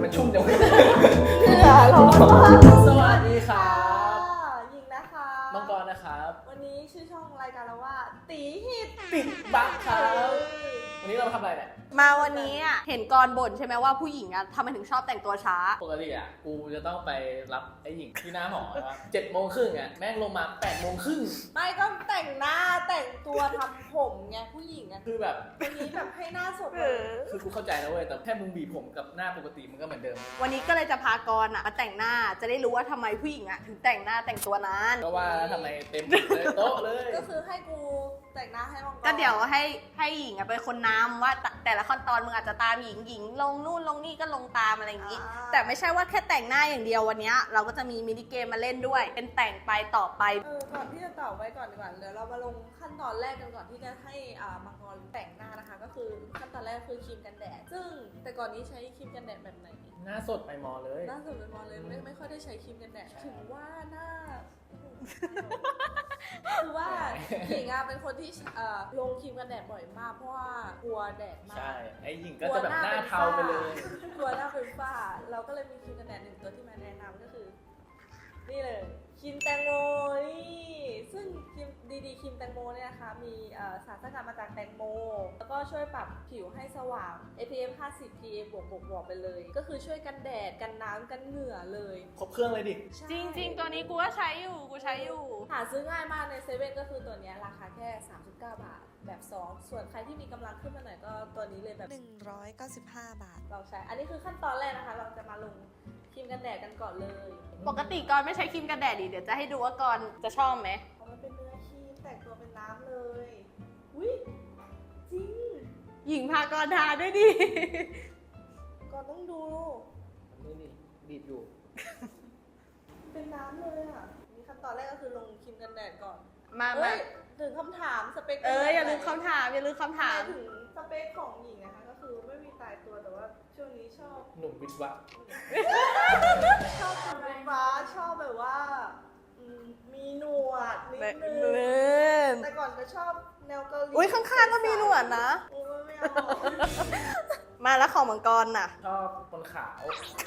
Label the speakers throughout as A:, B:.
A: มันชุ่มจัง
B: เหงื่อร้อนมาก
A: สวัสดีครับ
B: ยิงนะคะ
A: มังกรนะครับ
B: วันนี้ชื่อช่องรายการเราว่าตีฮิต
A: ติดบักครับ วันนี้เรามาทำอะไรเนี่ย
B: มาวันนี้อ่ะเห็นกรบ่นใช่ไหมว่าผู้หญิงอ่ะทำไมถึงชอบแต่งตัวช้า
A: ปกติอ่ะกูจะต้องไปรับไอ้หญิงที่หน้าหอครับ7:30อ่ะแม่งลงมา8:30
B: ไม่ก็แต่งหน้าแต่งตัวทำผมไงผู้หญิงอ่ะ
A: คือแบบ
B: วันนี้แบบให้หน้าสดเลย
A: คือกูเข้าใจนะเว้ยแต่แค่มึงบีบผมกับหน้าปกติมันก็เหมือนเดิม
B: วันนี้ก็เลยจะพากรอ่ะมาแต่งหน้าจะได้รู้ว่าทำไมผู้หญิงอ่ะถึงแต่งหน้าแต่งตัวนาน
A: ก็ว่าแล้วทำไมเต็มเลยโต๊ะเลย
B: ก็คือให้กูแต่งหน้าให้มังกร
C: ก็เดี๋ยวให้หญิงอะเป็นคนนำว่าแต่ละขั้นตอนมึงอาจจะตามหญิงลงนู่นลงนี่ก็ลงตามอะไรอย่างนี้ แต่ไม่ใช่ว่าแค่แต่งหน้าอย่างเดียววันนี้เราก็จะมีมินิเกมมาเล่นด้วย เป็นแต่งไปต่อไป
B: ก่อนที่จะตอบไว้ก่อนดีกว่าเดี๋ยวเรามาลงขั้นตอนแรกกันก่อนที่จะให้มังกรแต่งหน้านะคะ ก็คือขั้นตอนแรกคือครีมกันแดด ซึ่งแต่ก่อนนี้ใช้ครีมกันแดดแบบไหน
A: หน้าสดไปมอเลย
B: หน้าสุดเลยมองเลยไม่ค่อยได้ใช้ครีมกันแดด
A: ใช่
B: ถึงว่าหน้า คือว่าหญิงอะเป็นคนที่ลงครีมกันแดดบ่อยมากเพราะว่ากลัวแดดมาก
A: ใช่ไอ้หญิงก็จะแบบหน้าเทาไปเลย
B: กลัวหน้าเป็นฝ้า เราก็เลยมีครีมกันแดดหนึ่งตัวที่มาแนะนำก็คือ นี่เลยครีมแตงโมนี่ซึ่งครีมดีๆครีมแตงโมเนี่ยนะคะมีสารสกัดมาจากแตงโม แล้วก็ช่วยปรับผิวให้สว่าง SPF 50 PA บวกไปเลย ก็คือช่วยกันแดดกันน้ำกันเหงื่อเลย
A: ครบเครื่องเลยดิ
B: ใช่
C: จริง ๆ ตัวนี้กูก็ใช้อยู่
B: หาซื้อง่ายมากในเซเว่นก็คือตัวเนี้ยราคาแค่ 39 บาทแบบ 2 ส่วนใครที่มีกำลังขึ้นมาหน่อยก็ตัวนี้เลยแบบ
D: 195 บาท
B: เราใช้ อันนี้คือขั้นตอนแรกนะคะ เราจะมาลงครีมกันแดดกันก่อนเลย
C: ปกติกรไม่ใช้ครีมกันแดดดิเดี๋ยวจะให้ดูว่ากรจะชอบไหม
B: เพราะมันเป็นเนื้อครีมแต่งตัวเป็นน้ำเลยอุ้ยจริง
C: หญิงพากรทาด้วยดิ
B: ก่อนต้องดู
A: นี่บีบอยู่
B: เป็นน้ำเลยอ่ะนี่ขั้นตอนแรกก็คือลงครีมกันแดดก่อน
C: มา
B: เอ้ยถึงคำถามสเปค
C: อย่าลืมคำถาม
B: ถามถึงสเปคของหญิงนะคะ ก็คือไม่มีตายตัวแต่ว่าช่วงนี้ชอบ
A: หนุ่มวิทย์วัก
B: ชอบคุณเป็นฟ้าชอบแบบว่ามีหนวดนิดนึงแต่ก่อนก็ชอบแนวเกาหลี
C: อุ้ยข้างๆก็มีหนวดนะ
B: โอ้ยไม่เอา
C: มาแล้วของมังกรน่ะ
A: ชอบคนขาว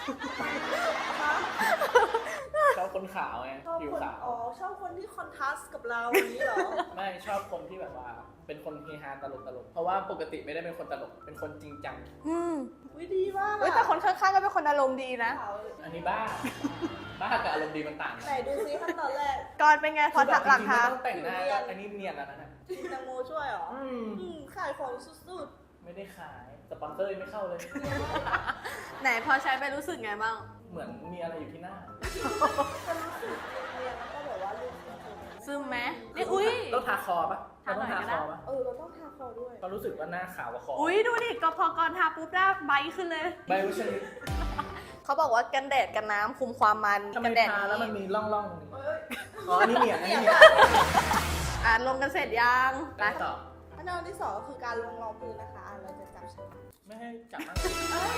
A: ชอบคนขาวไง
B: ชอบ
A: ผิว
B: คน
A: ขาว
B: อ๋อชอบคนที่คอนทราสต์กับเราอย่างนี้เหรอ
A: ไม่ชอบคนที่แบบว่า เป็นคนเฮฮาตลกเพราะว่าปกติไม่ได้เป็นคนตลกเป็นคนจริงจัง
B: วิดีมาก
C: เฮ้ยแต่คนข้างๆก็เป็นคนอารมณ์ดีนะ
B: ขาว
A: อันนี้บ้า บ้ากับอารมณ์ดีมันต่างกัน
B: ไหนดูซิขั้นตอนแรก
C: กรเป็นไงพอถักหลัง
A: คา
C: คะ
A: ต้องแต่งหน้าอันนี้เนียนแล้วนะ
B: กินแตงโมช่วยเหรอ ขายของสุด
A: ไม่ได้ขายสปอนเซอร์ยังไม่เข้าเลย
C: ไหนพอใช้ไปรู้สึกไงบ้าง
A: เหมือนมีอะไรอยู่ที่หน้า
B: ๆก็รู้สึกเรียนๆแล้วก็แบบว่าลูกซึม
C: ซึมไหมนี่อุ้ย
A: ต้องทาคอปะ
C: ทาหน่อย
A: ต้อง
C: ก็
A: ทา
C: ได้
A: คอปะ
B: เราต้องทาคอด้วย
A: ก็รู้สึกว่าหน้าขาวกว่าคอ
C: อุ้ยดูดิก็พอกรทาปุ๊บหน้าไบท์ขึ้นเลย
A: ใบวิชนิด
C: เขาบอกว่ากันแดดกันน้ำคุมความมัน
A: ทำไม
C: กันแดด
A: ทาแล้วมัน
C: นี้
A: มีร่องๆตรงนี้
B: เอ้ย
A: อ๋ออันนี้เนียนอันนี้เนียน
C: ลงกันเสร็จยังไป
A: ไปต่อ
B: ขั้นตอนที่สองก็คือการลงรองพื้นนะคะเราจะจับฉลาก
A: ไม่ให้จับนะ
B: เอ้ย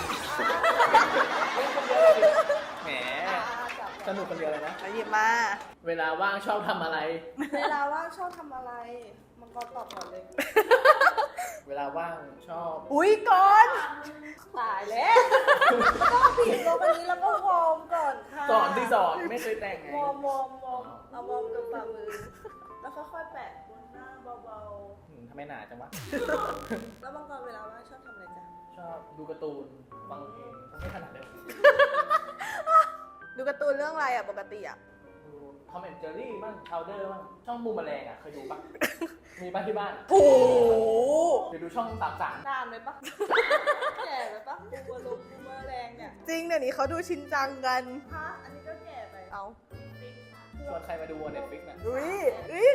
A: แหม
B: จับ
A: สนุกคนเดียวเลยนะ
C: มาหยิบมา
A: เวลาว่างชอบทำอะไร
B: เวลาว่างชอบทำอะไรมังกรตอบก่อนเลย
A: เวลาว่างชอบ
C: อุ้ยกร
B: ตายแล้วก็ผิดลงอันนี้แล้วก็วอร์มก่อนค่ะ
A: สอนที่สอนไม่เคยแต่งไง
B: วอร์มเอาวอร์มกับฝ่ามือ แล้วค่อยๆแปะบนหน้าเบา
A: ทำไมหนาจังวะ
B: ๆ แล้วมังกรเวลาว่างชอบทำอะไรจ๊ะ
A: ชอบดูการ์ตูนฟังเพลงไม่ถนัดเลย
C: ดูการ์ตูนเรื่องอะไรอ่ะปกติอ่ะ
A: ดูทอมแอนด์เจอรี่บ้างชาวเดอร์บ้างช่องบูมแมลงอ่ะเคยดูปะ มีบ้านที่บ้าน
C: โอ้โห
A: เดี๋ยวดูช่องสามสาม
B: นานไหมปะ แก่ไหมปะบูมลงบูมแรงเนี่ย
C: จริงเดี๋ยวนี้เขาดูชินจังกัน
B: ฮะอันนี้ก็แก่ไป
C: เอา
A: ชวนใครมาดูเน็ตฟลิกน่ะ
C: อุ้ย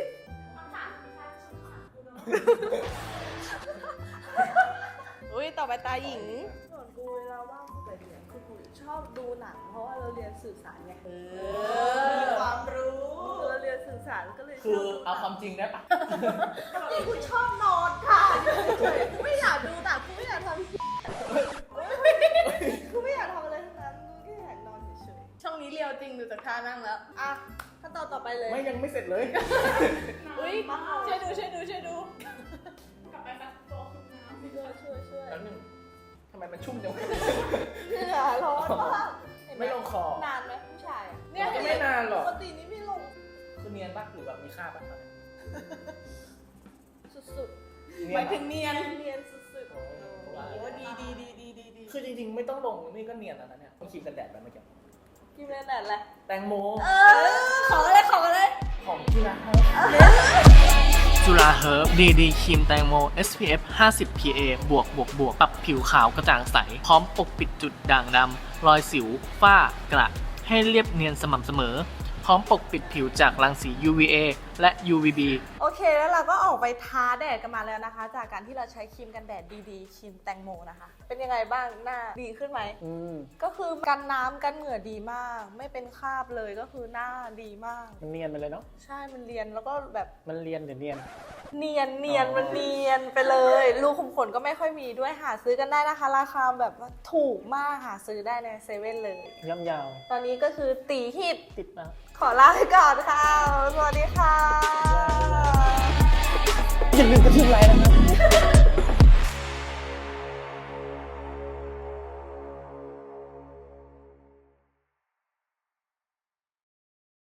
C: อุ้ยต่อไปตาหญิง
B: ส่วนกูเวลาว่างกูไปเรียนคือกูชอบดูหนัง เพราะว่าเราเรียนสื่อสารไง
C: มีความรู้
B: เราเรียนสื่อสารก็เลยช
A: คือ
B: อบ
A: เอาความจริงได้ปะ
B: นี่กูชอบนอนค่ะกูไม่อยากดูหนังกูไม่อยากทำกูไม่อยากทำอะไรทั้งนั้นกูแค่อยากนอนเฉย
C: ช่องนี้เรียวจริงดูจากท่านั่งแล้ว
B: ๆอ่ะขั้นตอนต่อไปเลย
A: ไม่ยังไม่เสร็จเลย
C: อุ้ยช่วยดู
B: ช่วย
A: แป๊บนึงทำไมมันชุ่มจังวะ
B: เหงื่อร้อนมากสุด
C: หมายถึงเนียน
B: ๆเนียนสุดๆ
A: โอ้ย
C: โอ้ดี
A: คือจริงๆไม่ต้องลงนี่ก็เนียนแล้วนะเนี่ยต้องครีมกันแดดไปเมื่อกี้
B: กินแดดอะไร
A: แตงโม
C: ของอะไรของอะไร
A: ของจุฬาจุฬาเฮิร์บดีดีครีมแตงโม SPF 50 PA บวกปรับผิวขาวกระจ่างใส พร้อมปกปิดจุดด่างดำรอยสิว ฝ้ากระให้เรียบเนียนสม่ำเสมอ พร้อมปกปิดผิวจากรังสี UVA และ UVB
B: โอเคแล้วเราก็ออกไปท้าแดดกันมาแล้วนะคะ จากการที่เราใช้ครีมกันแดดดีๆครีมแตงโมนะคะ เป็นยังไงบ้างหน้าดีขึ้นไหม ก็คือกันน้ำกันเหงื่อดีมาก ไม่เป็นคราบเลยก็คือหน้าดีมาก
A: มันเนียนไปเลยเนาะ
B: ใช่มันเรียนแล้วก็แบบ
A: มันเรียนหรือเนียน
B: เนียนมันเนียนไปเลย รูขุมขนก็ไม่ค่อยมีด้วยหาซื้อกันได้นะคะ ราคาแบบว่าถูกมากหาซื้อได้ในเซเว่นเลย
A: ย่ำยาว
B: ตอนนี้ก็คือตีฮิต
A: ติดมาก
B: ขอลาไปก่อนค่ะ สวัสดีค่ะ
A: อย่าลืมกระทืบไลค์นะครับ